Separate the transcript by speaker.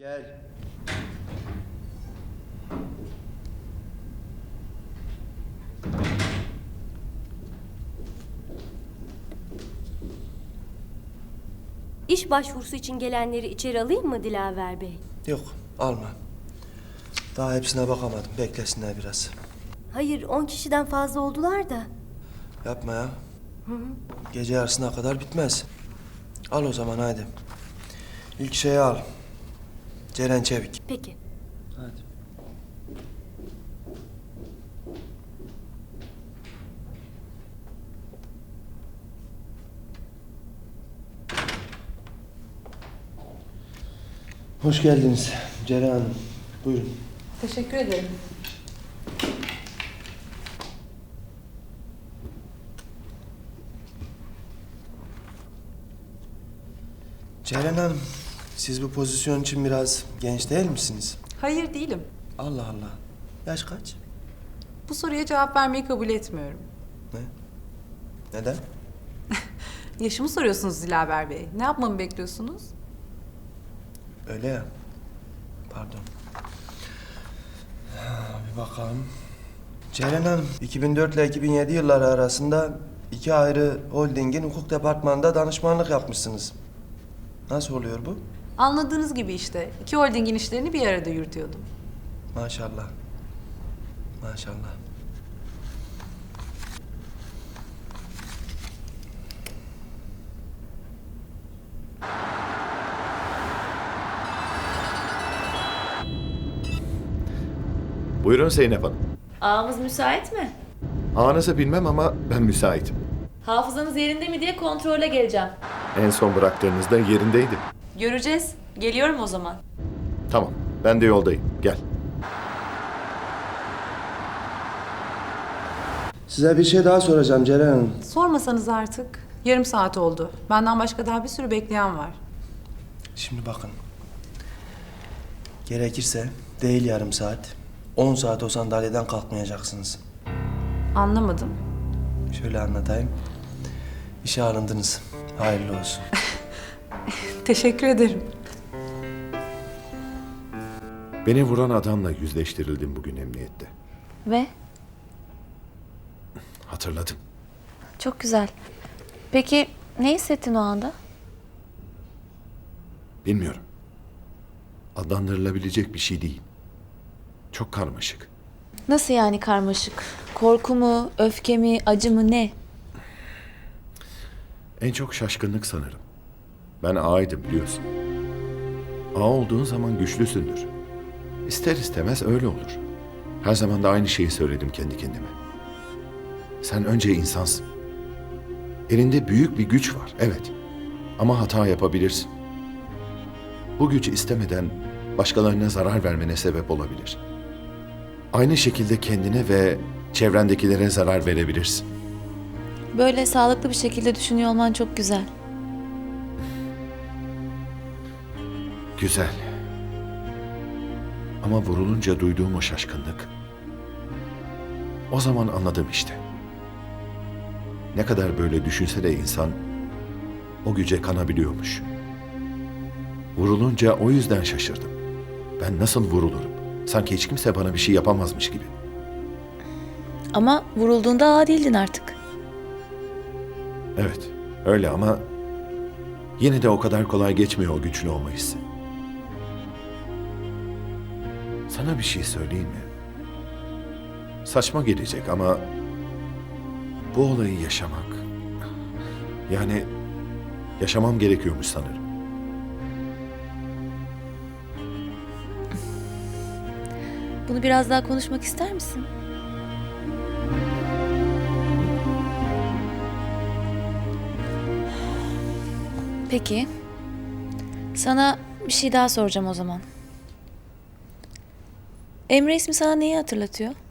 Speaker 1: Gel.
Speaker 2: İş başvurusu için gelenleri içeri alayım mı Dilaver Bey?
Speaker 1: Yok, alma. Daha hepsine bakamadım. Beklesinler biraz.
Speaker 2: Hayır, 10 kişiden fazla oldular da.
Speaker 1: Yapma ya. Gece yarısına kadar bitmez. Al o zaman haydi. İlk şeyi al. Ceren Çevik.
Speaker 2: Peki.
Speaker 1: Hadi. Hoş geldiniz Ceren Hanım. Buyurun.
Speaker 3: Teşekkür ederim.
Speaker 1: Ceren Hanım, siz bu pozisyon için biraz genç değil misiniz?
Speaker 3: Hayır değilim.
Speaker 1: Allah Allah. Yaş kaç?
Speaker 3: Bu soruya cevap vermeyi kabul etmiyorum.
Speaker 1: Ne? Neden?
Speaker 3: Yaşımı soruyorsunuz Dilaver Bey. Ne yapmamı bekliyorsunuz?
Speaker 1: Öyle ya. Pardon. Bir bakalım. Ceren Hanım, 2004 ile 2007 yılları arasında iki ayrı holdingin hukuk departmanında danışmanlık yapmışsınız. Nasıl oluyor bu?
Speaker 3: Anladığınız gibi işte. İki holdingin işlerini bir arada yürütüyordum.
Speaker 1: Maşallah. Maşallah.
Speaker 4: Buyurun Zeynep Hanım.
Speaker 5: Ağamız müsait mi?
Speaker 4: Ağanızı bilmem ama ben müsaitim.
Speaker 5: Hafızanız yerinde mi diye kontrole geleceğim.
Speaker 4: En son bıraktığınızda yerindeydi.
Speaker 5: Göreceğiz. Geliyorum o zaman.
Speaker 4: Tamam, ben de yoldayım. Gel.
Speaker 1: Size bir şey daha soracağım Ceren Hanım.
Speaker 3: Sormasanız artık. Yarım saat oldu. Benden başka daha bir sürü bekleyen var.
Speaker 1: Şimdi bakın. Gerekirse değil yarım saat, 10 saat o sandalyeden kalkmayacaksınız.
Speaker 3: Anlamadım.
Speaker 1: Şöyle anlatayım. İşe alındınız. Hayırlı olsun.
Speaker 3: Teşekkür ederim.
Speaker 4: Beni vuran adamla yüzleştirildim bugün emniyette.
Speaker 6: Ve
Speaker 4: Hatırladım.
Speaker 6: çok güzel. Peki ne hissettin o anda?
Speaker 4: Bilmiyorum. Adlandırılabilecek bir şey değil. Çok karmaşık.
Speaker 6: Nasıl yani karmaşık? Korku mu, öfke mi, acı mı ne?
Speaker 4: En çok şaşkınlık sanırım. Ben ağaydım biliyorsun. Ağa olduğun zaman güçlüsündür. İster istemez öyle olur. Her zaman da aynı şeyi söyledim kendi kendime. Sen önce insansın. Elinde büyük bir güç var, evet. Ama hata yapabilirsin. Bu güç istemeden başkalarına zarar vermene sebep olabilir. Aynı şekilde kendine ve çevrendekilere zarar verebilirsin.
Speaker 6: Böyle sağlıklı bir şekilde düşünüyor olman çok güzel.
Speaker 4: Güzel. Ama vurulunca duyduğum o şaşkınlık. O zaman anladım işte. Ne kadar böyle düşünse de insan o güce kanabiliyormuş. Vurulunca o yüzden şaşırdım. Ben nasıl vurulurum? Sanki hiç kimse bana bir şey yapamazmış gibi.
Speaker 6: Ama vurulduğunda ağa değildin artık.
Speaker 4: Evet, öyle ama yine de o kadar kolay geçmiyor o güçlü olma hissi. Sana bir şey söyleyeyim mi? Saçma gelecek ama bu olayı yaşamak, yani yaşamam gerekiyormuş sanırım.
Speaker 6: Bunu biraz daha konuşmak ister misin? Peki. Sana bir şey daha soracağım o zaman. Emre ismi sana neyi hatırlatıyor?